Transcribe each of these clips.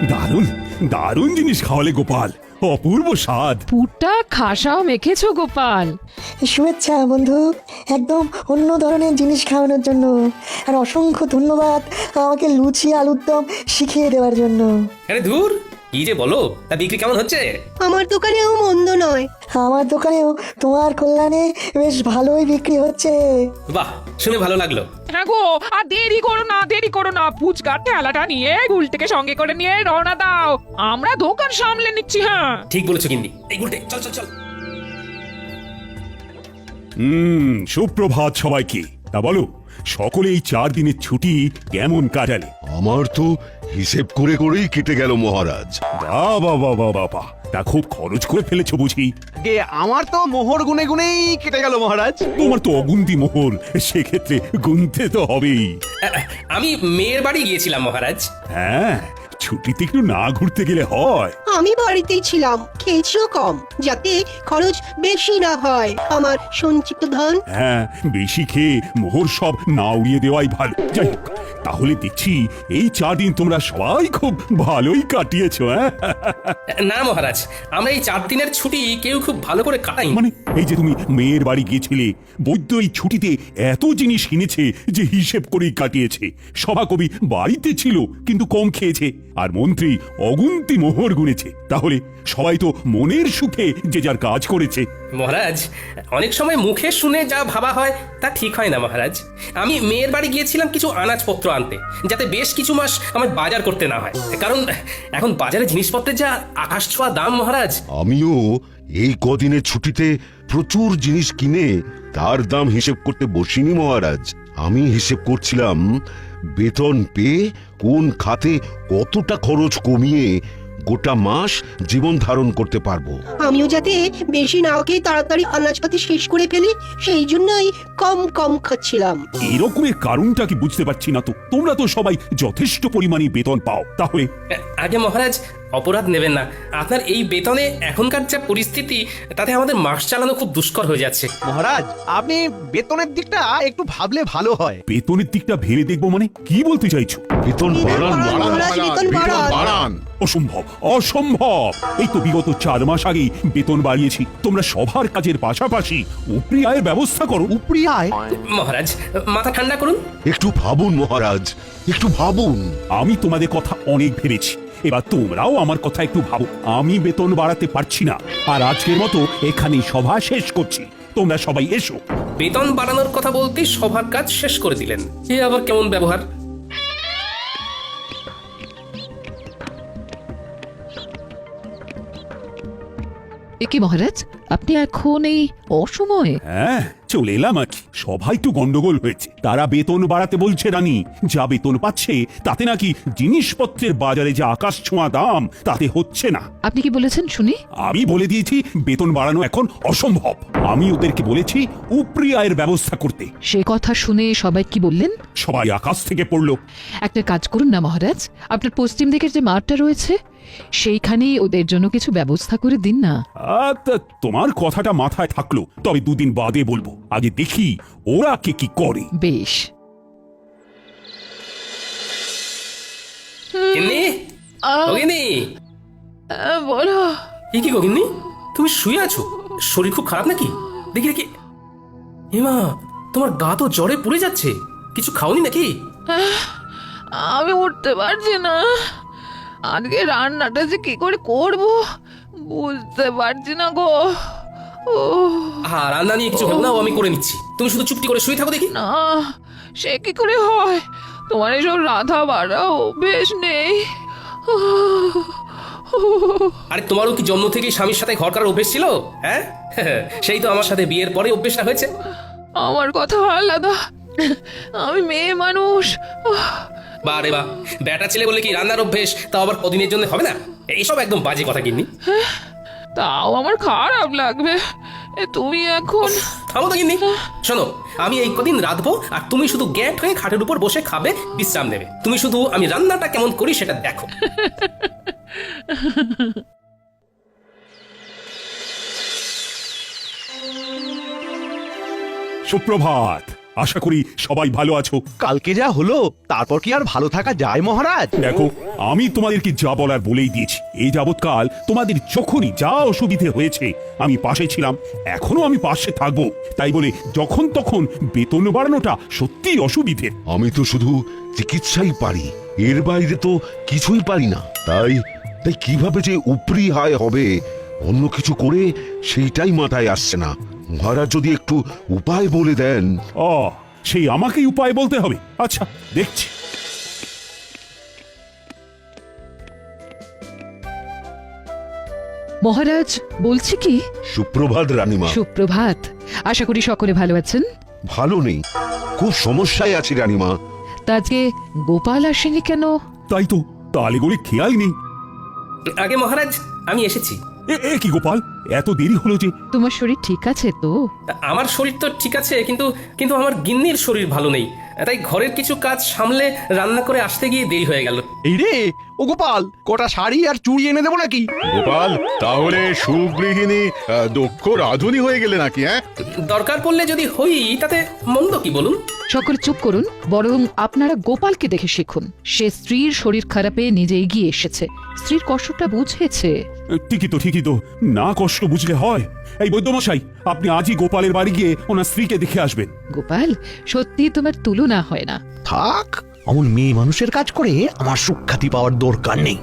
দারুণ দারুণ জিনিস খাওয়ালে গোপাল, অপূর্ব স্বাদ। পুরটা খাসাও মেখেছো গোপাল। শুভেচ্ছা বন্ধু, একদম অন্য ধরনের জিনিস খাওয়ানোর জন্য। আর অসংখ্য ধন্যবাদ আমাকে লুচি আলুর দম শিখিয়ে দেওয়ার জন্য। আরে ধুর, কি যে বলো, তা বিক্রি কেমন হচ্ছে? আমার দোকানেও মন্দ নয়। আমার দোকানেও তোমার কল্যাণে বেশ ভালোই বিক্রি হচ্ছে। বাহ, শুনে ভালো লাগলো। হ্যাঁ গো, আর দেরি করো না, ফুচকার ঠেলাটা নিয়ে গুলটিকে সঙ্গে করে নিয়ে রওনা দাও, আমরা দোকান সামলে নিচ্ছি। হ্যাঁ ঠিক বলেছো গিন্নি। এই গুলটে, চল চল চল। সুপ্রভাত সবাইকে। তা বলো, সকলে এই 4 দিনের ছুটি কেমন কাটালে? আমার তো হিসেব করে করেই কেটে গেল মহারাজ। বাবা বাবা বাবা, তা খুব খরচ করে ফেলেছো বুঝি? গে আমার তো মোহর গুনে গুনেই কেটে গেল মহারাজ। তোমার তো অগুন্তি মোহর, সেক্ষেত্রে গুনতে তো হবেই। আমি মেয়ের বাড়ি গিয়েছিলাম মহারাজ। হ্যাঁ, ছুটিতে একটু না ঘুরতে গেলে হয়? আমি বাড়িতেই ছিলাম, খেয়েছিও কম, যাতে খরচ বেশি না হয়। আমার সঞ্চিত ধন। হ্যাঁ, বেশি খেয়ে মোহর সব না উড়িয়ে দেওয়াই ভালো। যাই হোক, তাহলে দেখছি এই 4 দিন তোমরা সবাই খুব ভালোই কাটিয়েছো। হ্যাঁ, না মহারাজ, আমরা এই 4 দিনের ছুটি কেউ খুব ভালো করে কাটাই। মানে এই যে তুমি মেয়ের বাড়ি গিয়েছিলে, বৈদ্য এই ছুটিতে এত জিনিস কিনেছে যে হিসেব করেই কাটিয়েছে। সভাকবি বাড়িতে ছিল কিন্তু কম খেয়েছে, আর মন্ত্রী অগুন্তি মোহর গুনেছে। তাহলে সবাই তো মনের সুখে যে যার কাজ করেছে। মহারাজ, অনেক সময় মুখে শুনে যা ভাবা হয় তা ঠিক হয় না মহারাজ। আমি মেয়ের বাড়ি গিয়েছিলাম কিছু আনাজপত্র আনতে, যাতে বেশ কিছু মাস আমার বাজার করতে না হয়। কারণ এখন বাজারে জিনিসপত্রের যা আকাশ ছোঁয়া দাম মহারাজ। আমিও এই কদিনের ছুটিতে প্রচুর জিনিস কিনে তার দাম হিসেব করতে বসিনি মহারাজ। আমি হিসেব করছিলাম বেতন পেয়ে কোন খাতে কতটা খরচ কমিয়ে গোটা মাস জীবন ধারণ করতে পারবো। আমিও যাতে বেশি না খেয়ে তাড়াতাড়ি আনাজপাতি শেষ করে ফেলি, সেই জন্যই কম কম খাচ্ছিলাম। এরকমের কারণটা কি বুঝতে পারছি না তো। তোমরা তো সবাই যথেষ্ট পরিমাণে বেতন পাও, তাহলে আগে মহারাজ, অপরাধ নেবেন না। আপনার এই বেতনে এখনকার যা পরিস্থিতি, তাতে আমাদের মাস চালানো খুব দুষ্কর হয়ে যাচ্ছে। মহারাজ, আপনি বেতনের দিকটা একটু ভাবলে ভালো হয়। বেতনের দিকটা ভেবে দেখবো মানে কি বলতে চাইছো? বেতন বাড়ান মহারাজ, বেতন বাড়ান। অসম্ভব অসম্ভব। এই তো বিগত 4 মাস আগেই বেতন বাড়িয়েছি। তোমরা সবার কাজের পাশাপাশি উপরি আয়ের ব্যবস্থা করো। উপরি আয়? মহারাজ, মাথা ঠান্ডা করুন। একটু ভাবুন মহারাজ, একটু ভাবুন। আমি তোমাদের কথা অনেক ভেবেছি, এবার তোমরাও আমার কথা একটু ভাবো। আমি বেতন বাড়াতে পারছি না, আর আজকের মতো এখানেই সভা শেষ করছি। তোমরা সবাই এসো। বেতন বাড়ানোর কথা বলতেই সবার কাজ শেষ করে দিলেন। এ আবার কেমন ব্যবহার? একি মহারাজ, আপনি এখন এই অসময়ে? হ্যাঁ, চলে এলাম আর কি। সবাই তো গন্ডগোল হয়েছে। তারা বেতন বাড়াতে বলছে রানী। যা বেতন পাচ্ছে তাতে নাকি জিনিসপত্রের বাজারে যে আকাশ ছোঁয়া দাম, তাতে হচ্ছে না। আপনি কি বলেছেন শুনি? আমি বলে দিয়েছি বেতন বাড়ানো এখন অসম্ভব। আমি ওদেরকে বলেছি উপরি আয়ের ব্যবস্থা করতে। সে কথা শুনে সবাই কি বললেন? সবাই আকাশ থেকে পড়লো। একটা কাজ করুন না মহারাজ, আপনার পশ্চিম দিকের যে মাঠটা রয়েছে সেইখানেই ওদের জন্য কিছু ব্যবস্থা করে দিন না। তোমার কথাটা মাথায় থাকলো, তবে 2 দিন বাদে বলবো। আগে দেখি ওরা কে কি করে। বেশ। গিন্নি, ও গিন্নি। বলো। এ কি গো গিন্নি, তুমি শুয়ে আছো? শরীর খুব খারাপ নাকি? দেখি দেখি। হেমা, তোমার গা তো জ্বরে পুড়ে যাচ্ছে। কিছু খাওনি নাকি? আমি উঠতে পারছি না। আজকে রান্নাটা যে কি করে করব বুঝতে পারছি না গো। হ্যাঁ, রান্না নিয়ে কিছু ভেবো না, আমি করে নিচ্ছি। তুমি শুধু চুপটি করে শুয়ে থাকো দেখি। না, সে কি করে হয়? তোমার এসব রাধা বাড়া অভ্যেস নেই। আরে তোমারও কি জন্ম থেকেই স্বামীর সাথে ঘর করার অভ্যেস ছিল? হ্যাঁ, সেই তো আমার সাথে বিয়ের পরে অভ্যেসটা হয়েছে। আমার কথা আলাদা, আমি মেয়ে মানুষ। বা রে বা, বেটা ছেলে বলে কি রান্নার অভ্যেস তাও আবার কদিনের জন্য হবে না? এইসব একদম বাজে কথা গিন্নি। তাও আমার খারাপ লাগবে। তুমি এখন থামো তো গিন্নি। শোনো, আমি এই কদিন রাঁধবো, আর তুমি শুধু গ্যাট হয়ে খাটের উপর বসে খাবে, বিশ্রাম নেবে। তুমি শুধু আমি রান্নাটা কেমন করি সেটা দেখো। সুপ্রভাত। আশা করি সবাই ভালো আছো। কালকে যা হলো তারপর কি আর ভালো থাকা যায় মহারাজ? দেখো, আমি তোমাদেরকে যা বলার বলেই দিয়েছি। এই যাবৎকাল তোমাদের যখনই যা অসুবিধে হয়েছে আমি পাশে ছিলাম, এখনো আমি পাশে থাকবো। তাই বলে যখন তখন বেতন বাড়ানোটা সত্যিই অসুবিধে। আমি তো শুধু চিকিৎসাই পারি, এর বাইরে তো কিছুই পারি না। তাই তাই কিভাবে যে উপরি হায় হবে অন্য কিছু করে সেইটাই মাথায় আসছে না। মহারাজ যদি একটু উপায় বলে দেন। সেই আমাকেই উপায় বলতে হবে? আচ্ছা, দেখছি। মহারাজ, বলছি কি, সুপ্রভাত রানীমা। সুপ্রভাত। আশা করি সকলে ভালো আছেন। ভালো নেই, খুব সমস্যায় আছি রানীমা। তা আজকে গোপাল আসেনি কেন? তাই তো, তালে গড়ে খেয়াল নেই। আগে মহারাজ, আমি এসেছি। এ কি গোপাল, এত দেরি হলো যে? তোমার শরীর ঠিক আছে তো? আমার শরীর তো ঠিক আছে, কিন্তু কিন্তু আমার গিন্নির শরীর ভালো নেই, তাই ঘরের কিছু কাজ সামলে রান্না করে আসতে গিয়ে দেরি হয়ে গেল। এই রে ও গোপাল, কটা শাড়ি আর চুড়ি এনে দেবো নাকি? গোপাল, তাহলে সুগৃহিণী দক্ষ রাধুনী হয়ে গেলে নাকি? হ্যাঁ, দরকার পড়লে যদি হই তাতে মন্দ কি বলুন? সকলে চুপ করুন, বরং আপনারা গোপালকে দেখে শিখুন। সে স্ত্রীর শরীর খারাপে নিজে এগিয়ে এসেছে, স্ত্রীর কষ্টটা বুঝেছে। ঠিকই তো, না কষ্ট বুঝলে হয়। এই বৈদ্যমশাই, আপনি আজই গোপালের বাড়ি গিয়ে ওনার স্ত্রীকে দেখে আসবেন। গোপাল, সত্যি তোমার তুলনা হয় না। থাক, অমন মেয়ে মানুষের কাজ করে আমার সুখ্যাতি পাওয়ার দরকার নেই।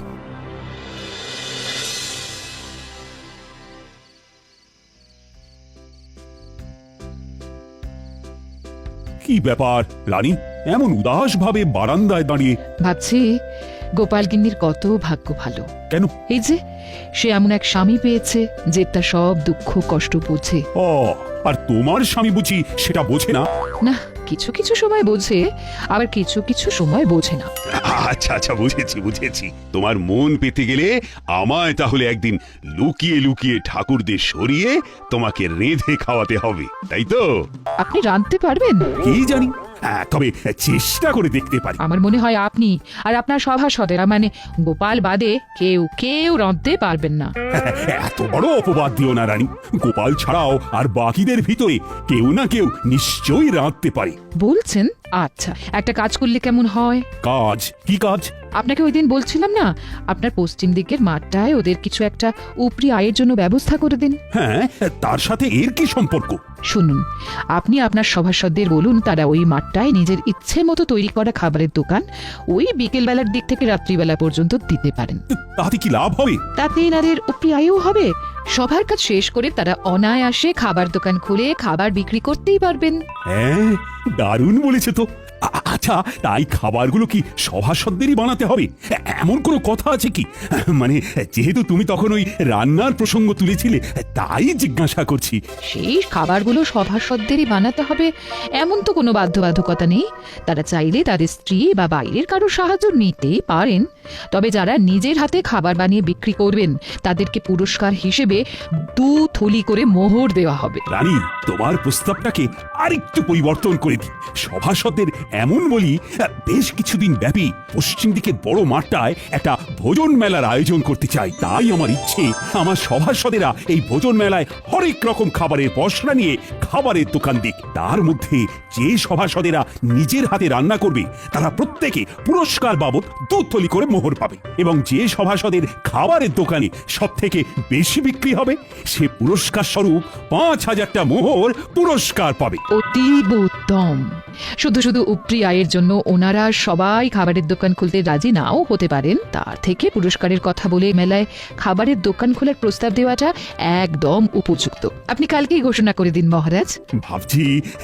কি ব্যাপার রানী, এমন উদাস ভাবে বারান্দায় দাঁড়িয়ে? ভাবছি গোপাল গিন্নির কত ভাগ্য ভালো। কেন? এই যে সে এমন এক স্বামী পেয়েছে যে তার সব দুঃখ কষ্ট বোঝে। আর তোমার স্বামী বুঝি সেটা বোঝে না? না, কিছু কিছু সময় বোঝে, আবার কিছু কিছু সময় বোঝে না। আচ্ছা, বুঝেছি। তোমার মন পেতে গেলে আমায় তাহলে একদিন লুকিয়ে লুকিয়ে ঠাকুরদের সরিয়ে তোমাকে রেঁধে খাওয়াতে হবে, তাই তো? আপনি রাঁধতে পারবেন? কি জানি, তবে চেষ্টা করে দেখতে পারি। আমার মনে হয় আপনি আর আপনার সভাসদেরা, মানে গোপাল বাদে কেউ রাঁধতে পারবেন না। এত বড় অপবাদ দিও না রানী। গোপাল ছাড়াও আর বাকিদের ভিতরে কেউ না কেউ নিশ্চয়ই রাঁধতে পারে। বলছেন? আচ্ছা, একটা কাজ করলে কেমন হয়? কাজ? কি কাজ? আপনাকে ওই দিন বলছিলাম না, আপনার পশ্চিম দিকের মাঠটায় ওদের কিছু একটা উপরি আয়ের জন্য ব্যবস্থা করে দিন। হ্যাঁ, তার সাথে এর কি সম্পর্ক? শুনুন, আপনি আপনার সভাসদদের বলুন তারা ওই মাঠটায় নিজের ইচ্ছে মতো তৈরি করা খাবারের দোকান ওই বিকেল বেলার দিক থেকে রাত্রিবেলা পর্যন্ত দিতে পারেন। তাতে কি লাভ হবে? তাতে এনাদের উপরি আয়ও হবে। সবার কাজ শেষ করে তারা অনায়াসে খাবার দোকান খুলে খাবার বিক্রি করতেই পারবেন। হ্যাঁ, দারুণ বলেছে তো। আচ্ছা, তাই খাবারগুলো কি সভাসদেরই বানাতে হবে? এমন কোনো কথা আছে কি? মানে যেহেতু তুমি তখন ওই রান্নার প্রসঙ্গ তুলেছিলে, তাই জিজ্ঞাসা করছি। সেই খাবারগুলো সভাসদেরই বানাতে হবে এমন তো কোনো বাধ্যবাধকতা নেই। তারা চাইলে তাদের স্ত্রী বা বাইরের কারো সাহায্য নিতেই পারেন। তবে যারা নিজের হাতে খাবার বানিয়ে বিক্রি করবেন তাদেরকে পুরস্কার হিসেবে 2 থলি করে মোহর দেওয়া হবে। রানী, তোমার প্রস্তাবটাকে আরেকটু পরিবর্তন করে দিই। সভাসদের এমন বলি, বেশ কিছুদিন ব্যাপী পশ্চিম দিকের বড় মাঠটায় একটা ভোজন মেলার আয়োজন করতে চাই। তাই আমার ইচ্ছে, আমার সভাসদেরা এই ভোজন মেলায় হরেক রকম খাবারের পসরা নিয়ে খাবারের দোকান দিক। তার মধ্যে যে সভাসদেরা নিজের হাতে রান্না করবে তারা প্রত্যেকে পুরস্কার বাবদ 2 থলি করে মোহর পাবে, এবং যে সভাসদের খাবারের দোকানে সব থেকে বেশি বিক্রি হবে সে পুরস্কার স্বরূপ 5000টা মোহর পুরস্কার পাবে। অতীব উত্তম। শুধু শুধু উপরি আয়ের জন্য ওনারা সবাই খাবারের দোকান খুলতে রাজি নাও হতে পারেন, তার থেকে পুরস্কারের কথা বলে মেলায় খাবারের দোকান খোলার প্রস্তাব দেওয়াটা একদম উপযুক্ত। আপনি কালকেই ঘোষণা করে দিন মহারাজ। ভাবছি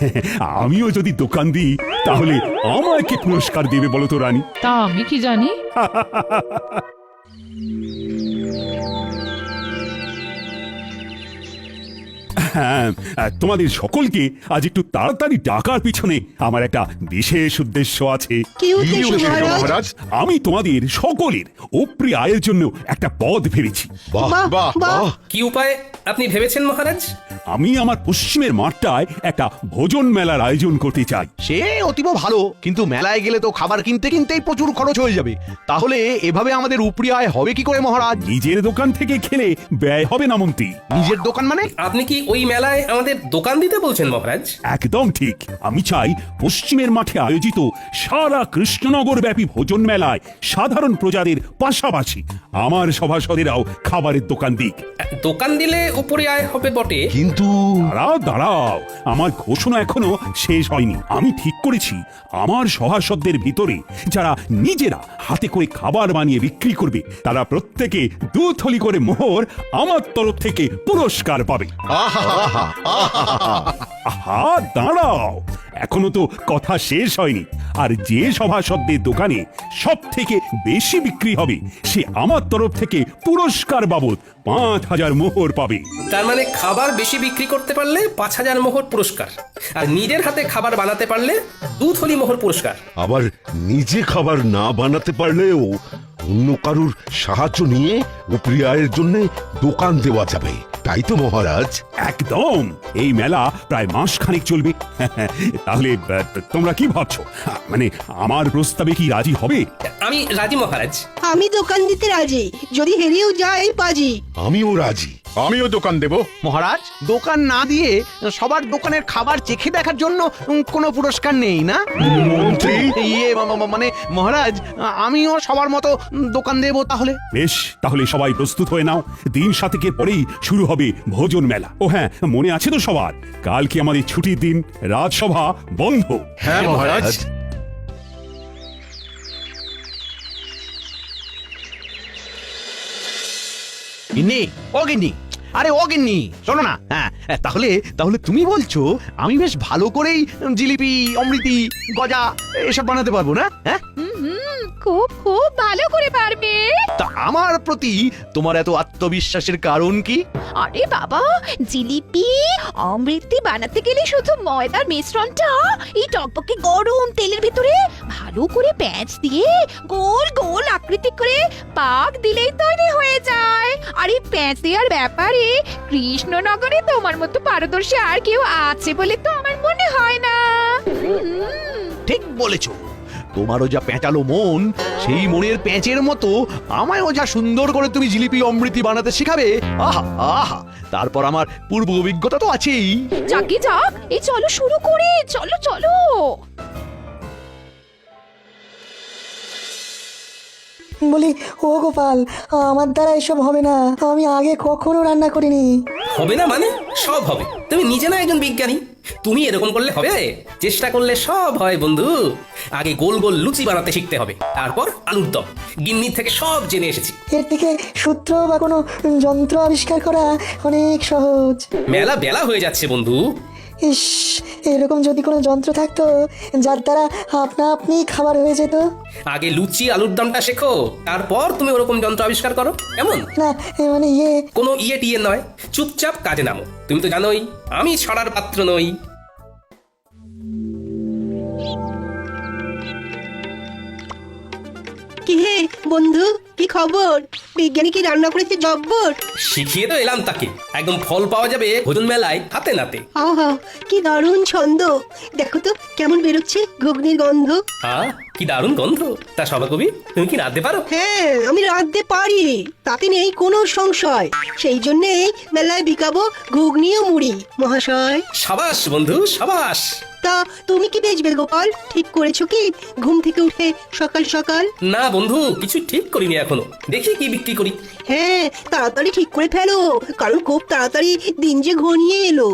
আমিও যদি দোকান দিই তাহলে আমায় কি পুরস্কার দেবে বলো তো রানী? তা আমি কি জানি। হ্যাঁ, তোমাদের সকলকে আজ একটু তাড়াতাড়ি ডাকার পিছনে আমার একটা বিশেষ উদ্দেশ্য আছে। কি উদ্দেশ্য মহারাজ? আমি তোমাদের সকলের উপরি আয়ের জন্য একটা পদ ভেবেছি। বাহ বাহ, বাহ বাহ। বাহ! কি উপায় আপনি ভেবেছেন মহারাজ? আমি আমার পশ্চিমের মাঠটায় একটা ভোজন মেলার আয়োজন করতে চাই। সে অতীব ভালো, কিন্তু মেলায় গেলে তো খাবার কিনতে কিনতেই প্রচুর খরচ হয়ে যাবে। তাহলে এভাবে আমাদের উপরি আয় হবে কি করে মহারাজ? নিজের দোকান থেকে খেলে ব্যয় হবে না মন্ত্রী। নিজের দোকান মানে? আপনি কি ওই মেলায় আমাদের দোকান দিতে বলছেন মহারাজ? একদম ঠিক। আমি চাই পশ্চিমের মাঠে আয়োজিত সারা কৃষ্ণনগর ব্যাপী ভোজন মেলায় সাধারণ প্রজাদের পাশাপাশি আমার সভাসদেরাও খাবারের দোকান দিক। দোকান দিলে উপরে আয় হবে বটে, কিন্তু দাঁড়াও দাঁড়াও, আমার ঘোষণা এখনো শেষ হয়নি। আমি ঠিক করেছি আমার সভাসদদের ভিতরে যারা নিজেরা হাতে করে খাবার বানিয়ে বিক্রি করবে তারা প্রত্যেকে 2 থলি করে মোহর আমার তরফ থেকে পুরস্কার পাবে। আহা দাঁড়াও, এখনো তো কথা শেষ হয়নি। আর যে সভাসদদের দোকানে সব থেকে বেশি বিক্রি হবে সে আমার তরফ থেকে পুরস্কার বাবদ 5,000 মোহর পাবে। তার মানে খাবার বেশি বিক্রি করতে পারলে 5,000 মোহর পুরস্কার, আর নিজের হাতে খাবার বানাতে পারলে 2 থলি মোহর পুরস্কার। আবার নিজে খাবার না বানাতে পারলেও অন্য কারুর সাহায্য নিয়ে উপরি আয়ের জন্য দোকান দেওয়া যাবে, তাই তো মহারাজ? একদম। এই মেলা প্রায় মাসখানেক চলবে। তাহলে তোমরা কি ভাবছো? মানে আমার প্রস্তাবে কি রাজি হবে? আমি রাজি মহারাজ। আমি দোকান দিতে রাজি, যদি হেরেও যাই বাজি। আমিও রাজি। আমিও দোকান দেব। মহারাজ, দোকান না দিয়ে সবার দোকানের খাবার চেখে দেখার জন্য কোনো পুরস্কার নেই না? মন্ত্রী, ইয়ে মানে মহারাজ, আমিও সবার মতো দোকান দেব তাহলে। বেশ, তাহলে সবাই প্রস্তুত হয়ে নাও। দিন 7 পরেই শুরু হবে ভোজন মেলা। ও হ্যাঁ, মনে আছে তো সবার, কালকে আমাদের ছুটির দিন, রাজসভা বন্ধ। হ্যাঁ মহারাজ। গিন্নি, ও গিন্নি, আরে ও গিন্নি, শোনো না। হ্যাঁ, তাহলে তাহলে তুমি বলছো আমি বেশ ভালো করেই জিলিপি, অমৃতি, গজা এসব বানাতে পারবো না? হ্যাঁ, খুব খুব ভালো করে পারবে। তা আমার প্রতি তোমার এত আত্মবিশ্বাসের কারণ কি? আরে বাবা, জিলিপি অমৃতি বানাতে গেলে শুধু ময়দার মিশ্রণটা এই টকবকে গরম তেলের ভিতরে ভালো করে প্যাঁচ দিয়ে গোল গোল আকৃতি করে পাক দিলেই তৈরি হয়ে যায়। আর এই প্যাঁচ দেওয়ার ব্যাপারে কৃষ্ণনগরে তোমার মতো পারদর্শী আর কেউ আছে বলে তো আমার মনে হয় না। ঠিক বলেছো। তোমারও যা পেঁচালো মন, সেই মনের প্যাঁচের মতো আমায়ও যা সুন্দর করে তুমি জিলিপি অমৃতি বানাতে শেখাবে। আহা আহা, তারপর আমার পূর্ব অভিজ্ঞতা তো আছেই। যাকে যাক, এই চলো শুরু করে, চলো চলো। বলি, ও গোপাল, আমার দ্বারা এসব হবে না। আমি আগে কখনো রান্না করিনি। হবে না মানে? সব হবে। তুমি নিজে না একজন বিজ্ঞানী, তুমি এরকম করলে হবে? চেষ্টা করলে সব হয় বন্ধু। আগে গোল গোল লুচি বানাতে শিখতে হবে, তারপর আলুর দম। গিন্নির থেকে সব জেনে এসেছি। এর থেকে সূত্র বা কোনো যন্ত্র আবিষ্কার করা অনেক সহজ। মেলা বেলা হয়ে যাচ্ছে বন্ধু। ইস, এরকম যদি কোনো যন্ত্র থাকতো যার দ্বারা আপনা আপনি খাবার হয়ে যেত। আগে লুচি আলুর দমটা শেখো, তারপর তুমি ওরকম যন্ত্র আবিষ্কার করো। এমন না, মানে কোনো ইয়ে টিয়ে নয়, চুপচাপ কাজে নামো। তুমি তো জানোই আমি ছড়ার পাত্র নই। কি হে বন্ধু, কি খবর? বিজ্ঞানী কি রান্না করেছে জব্বর? শিখিয়ে তো এলাম তাকে, একদম ফল পাওয়া যাবে ভোজন মেলায় হাতে নাতে। আহা, কি দারুণ ছন্দ! দেখো তো কেমন বেরোচ্ছে ঘুগনির গন্ধ। হ্যাঁ, কি দারুণ গন্ধ। তা সভাকবি, তুমি কি রাঁধতে পারো? হ্যাঁ, আমি রাঁধতে পারি, তাতে নেই কোনো সংশয়। সেই জন্যেই মেলায় বিকাবো ঘুগনি ও মুড়ি মহাশয়। সাবাস বন্ধু, সাবাস। তা তুমি কি বেচবে গোপাল? ঠিক করেছো কি ঘুম থেকে উঠে সকাল সকাল? না বন্ধু, কিছু ঠিক করিনি এখনো, দেখি কি বিক্রি করি। হ্যাঁ, তাড়াতাড়ি ঠিক করে ফেলো, কারণ খুব তাড়াতাড়ি দিন যে ঘনিয়ে এলো।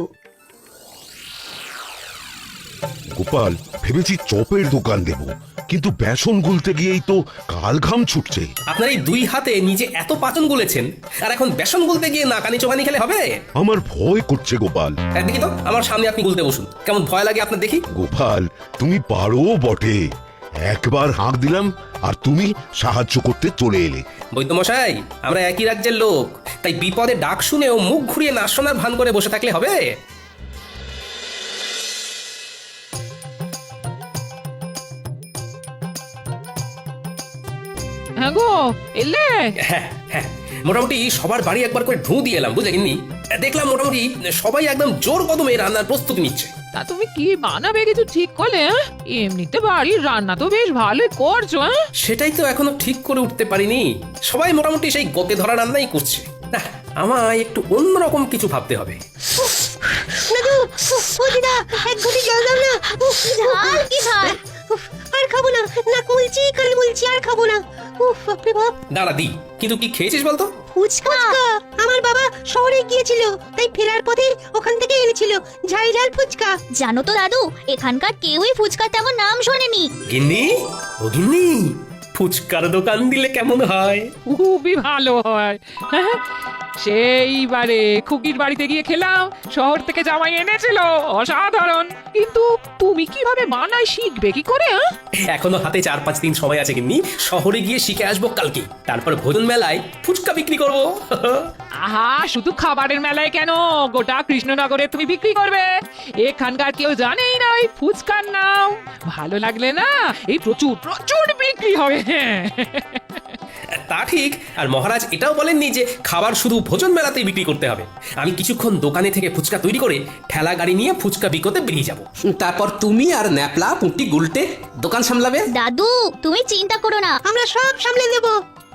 গোপাল, ভেবেছি চপের দোকান দেব, কিন্তু বেসন গুলতে গিয়েই তো কাল ঘাম ছুটছে। আপনার এই 2 হাতে নিজে এত পাচন গুলেছেন, আর এখন বেসন গুলতে গিয়ে নাকানি চোখানি খেলে হবে? আমার ভয় করছে গোপাল। দেখি তো, আমার সামনে আপনি গুলতে বসুন, কেমন ভয় লাগে আপনার দেখি। গোপাল, তুমি পারো বটে। একবার হাঁক দিলাম আর তুমি সাহায্য করতে চলে এলে। বৈদ্যমশাই, আমরা একই রাজ্যের লোক, তাই বিপদে ডাক শুনেও মুখ ঘুরিয়ে না শোনার ভান করে বসে থাকলে হবে? হ্যাঁ গো, এলে হ্যাঁ হ্যাঁ, মোটামুটি সবার বাড়ি একবার করে ঢু দিয়ে এলাম, বুঝলে গিন্নি। দেখলাম মোটামুটি সবাই একদম জোর কদমে রান্নার প্রস্তুতি নিচ্ছে। তা তুমি কি বানাবে কিছু ঠিক করলে? হ্যাঁ? এমনিতে বাড়ির রান্না তো বেশ ভালোই করছো। হ্যাঁ সেটাই তো এখনো ঠিক করে উঠতে পারিনি। সবাই মোটামুটি সেই গতে ধরা রান্নাই করছে। না, আমায় একটু অন্যরকম কিছু ভাবতে হবে। দাদু, ও দিদা, এক ঘটি জল দাও না। ঝাল কি ঝাল? আর খাবো না, নাক মুলছি, কান মুলছি, আর খাবো না। উফ, বাপরে বাপ। দাঁড়া দি, কিন্তু কি খেয়েছিস বলতো? ফুচকা। আমার বাবা শহরে গিয়েছিল, তাই ফেরার পথে ওখান থেকে এনেছিল ঝাল ঝাল ফুচকা। জানো তো দাদু, এখানকার কেউই ফুচকার তেমন নাম শোনেনি। গিন্নি, ও গিন্নি, ফুচকার দোকান দিলে কেমন হয়? খুবই ভালো হয়। হ্যাঁ, সেইবারে খুকির বাড়িতে গিয়ে খেলাম, শহর থেকে জামাই এনেছিল, অসাধারণ। কিন্তু তুমি কিভাবে বানাই শিখবে কি করে? হ্যাঁ এখনো হাতে 4-5 দিন সময় আছে গিন্নি। শহরে গিয়ে শিখে আসবো কালকে, তারপর ভোজন মেলায় ফুচকা বিক্রি করবো। আহা, শুধু খাবারের মেলায় কেন, গোটা কৃষ্ণনগরে তুমি বিক্রি করবে। এখানকার কেউ জানেই না ওই ফুচকার নাম। ভালো লাগলে না এই প্রচুর প্রচুর বিক্রি হবে। হ্যাঁ তা ঠিক। আর মহারাজ এটাও বলেননি যে খাবার শুধু ভোজন মেলাতেই বিক্রি করতে হবে। আমি কিছুক্ষণ দোকানে থেকে ফুচকা তৈরি করে ঠেলা গাড়ি নিয়ে ফুচকা বিকোতে বেরিয়ে যাব। তারপর তুমি আর ন্যাপলা, পুঁটি, গুলটে দোকান সামলাবে। দাদু, তুমি চিন্তা করো না, আমরা সব সামলে দেবো।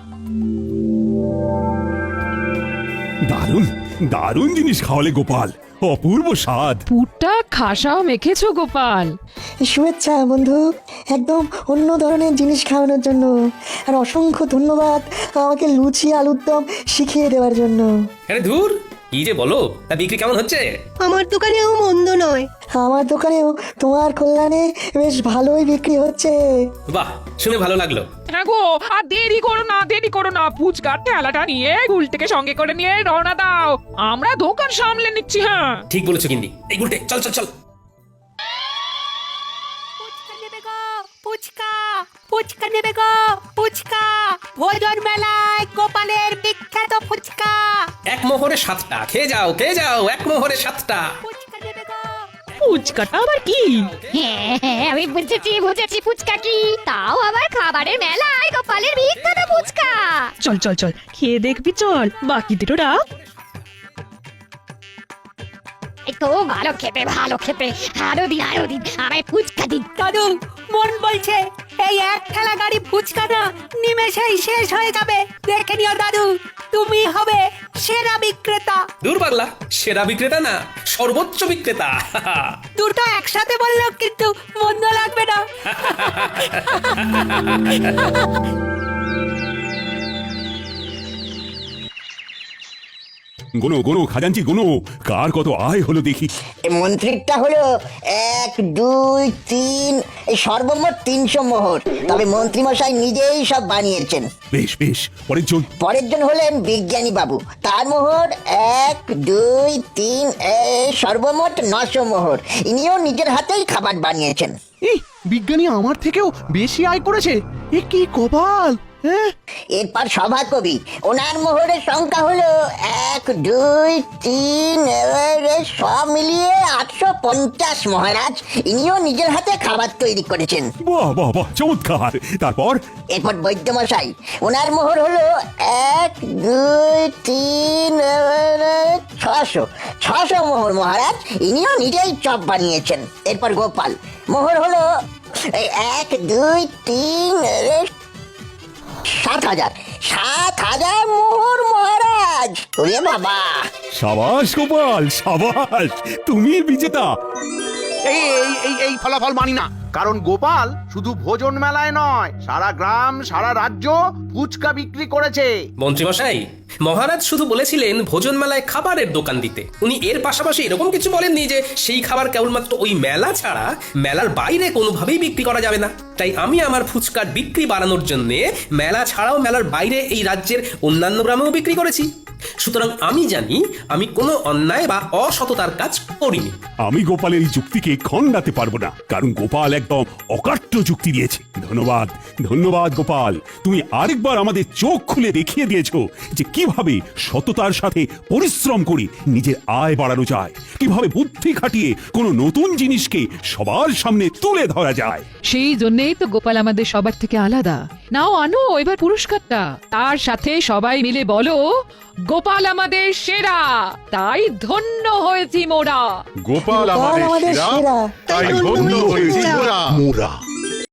দারুণ দারুণ জিনিস খাওয়ালে গোপাল, অপূর্ব স্বাদ। পুরটা খাসাও মেখেছো গোপাল। শুভেচ্ছা বন্ধু, একদম অন্য ধরনের জিনিস খাওয়ানোর জন্য। আর অসংখ্য ধন্যবাদ আমাকে লুচি আলুর দম শিখিয়ে দেওয়ার জন্য। আরে ধুর, কি যে বলো। তা বিক্রি কেমন হচ্ছে? আমার দোকানেও মন্দ নয়। আমার দোকানেও তোমার কল্যাণে বেশ ভালোই বিক্রি হচ্ছে। বাহ, শুনে ভালো লাগলো। হ্যাঁ গো, আর দেরি করো না, দেরি করো না। ফুচকার ঠেলাটা নিয়ে গুলটিকে সঙ্গে করে নিয়ে রওনা দাও, আমরা দোকান সামলে নিচ্ছি। হ্যাঁ ঠিক বলেছো গিন্নি। এই গুলটে, চল চল চল। ফুচকা, ফুচকা নেবে গো, ফুচকা। ভোজন মেলায় গোপালের বিখ্যাত ফুচকা। এক মোহরে 7টা, খেয়ে যাও খেয়ে যাও, এক মোহরে 7টা। ফুচকাটা আবার কি? হ্যাঁ, আমি বুঝেছি ফুচকা কি। তাও আবার খাবারের মেলায় গোপালের বিখ্যাত ফুচকা। চল চল চল, খেয়ে দেখবি চল, বাকি দুটোরা। একটু ভালো খেতে, ভালো খেতে। আরো দিন, আরো দিন, আমায় ফুচকা দিন। দাদু, মন বলছে এই এক ঠেলা গাড়ি ফুচকাটা নিমেষেই শেষ হয়ে যাবে। দেখে নিও দাদু, তুমি হবে সেরা বিক্রেতা। দূর পাগলা, সেরা বিক্রেতা না, সর্বোচ্চ বিক্রেতা। দুটো একসাথে বললেও কিন্তু মন্দ লাগবে না। গোনো গোনো খাজাঞ্চি গোনো, কার কত আয় হলো দেখি। মন্ত্রীরটা হলো 1, 2, 3, এই সর্বমোট 300 মোহর। তবে মন্ত্রী মশাই নিজেই সব বানিয়েছেন। বেশ বেশ, পরের জন। পরের জন হলেন বিজ্ঞানী বাবু, তার মোহর 1, 2, 3, সর্বমোট 900 মোহর। ইনিও নিজের হাতেই খাবার বানিয়েছেন। এই বিজ্ঞানী আমার থেকেও বেশি আয় করেছে, এ কি কপাল। হ্যাঁ, এরপর সভাকবি, ওনার মোহরের সংখ্যা হলো 1, 2, 3, সব মিলিয়ে 850 মহারাজ। ইনিও নিজের হাতে খাবার তৈরি করেছেন। বাহ বাহ বাহ, চমৎকার। তারপর এরপর বৈদ্যমশাই, ওনার মোহর হলো 1, 2, 3, 600 মোহর মহারাজ। ইনিও নিজেই চপ বানিয়েছেন। এরপর গোপাল, মোহর হলো 1, 2, 3, 7,000 মোহর মহারাজ। ওরে বাবা! সাবাস গোপাল, সাবাস, তুমি বিজেতা। এই এই এই এই ফলাফল মানি না, কারণ গোপাল শুধু ভোজন মেলায় নয়, সারা গ্রাম সারা রাজ্য ফুচকা বিক্রি করেছে। মন্ত্রী মশাই, মহারাজ শুধু বলেছিলেন ভোজন মেলায় খাবারের দোকান দিতে। উনি এর পাশাপাশি এরকম কিছু বলেননি যে সেই খাবার কেবলমাত্র ওই মেলা ছাড়া মেলার বাইরে কোনোভাবেই বিক্রি করা যাবে না। তাই আমি আমার ফুচকার বিক্রি বাড়ানোর জন্য মেলা ছাড়াও মেলার বাইরে এই রাজ্যের অন্যান্য গ্রামেও বিক্রি করেছি। সুতরাং আমি জানি আমি কোনো অন্যায় বা অসততার কাজ করিনি। আমি গোপালের এই যুক্তিকে খণ্ডাতে পারবো না, কারণ গোপাল একদম অকাট্য যুক্তি দিয়েছে। ধন্যবাদ ধন্যবাদ গোপাল, তুমি আরেকবার আমাদের চোখ খুলে দেখিয়ে দিয়েছো যে কি কিভাবে সততার সাথে পরিশ্রম করে নিজের আয় বাড়ানো যায়, কিভাবে বুদ্ধি খাটিয়ে কোনো নতুন জিনিসকে সবার সামনে তুলে ধরা যায়। সেই জন্যই তো গোপাল আমাদের সবার থেকে আলাদা। নাও আনো এবার পুরস্কারটা, তার সাথে সবাই মিলে বলো গোপাল আমাদের সেরা, তাই ধন্য হয়েছি মোরা। গোপাল আমাদের আমাদের সেরা, সেরা, তাই ধন্য হয়েছি মোরা। মোরা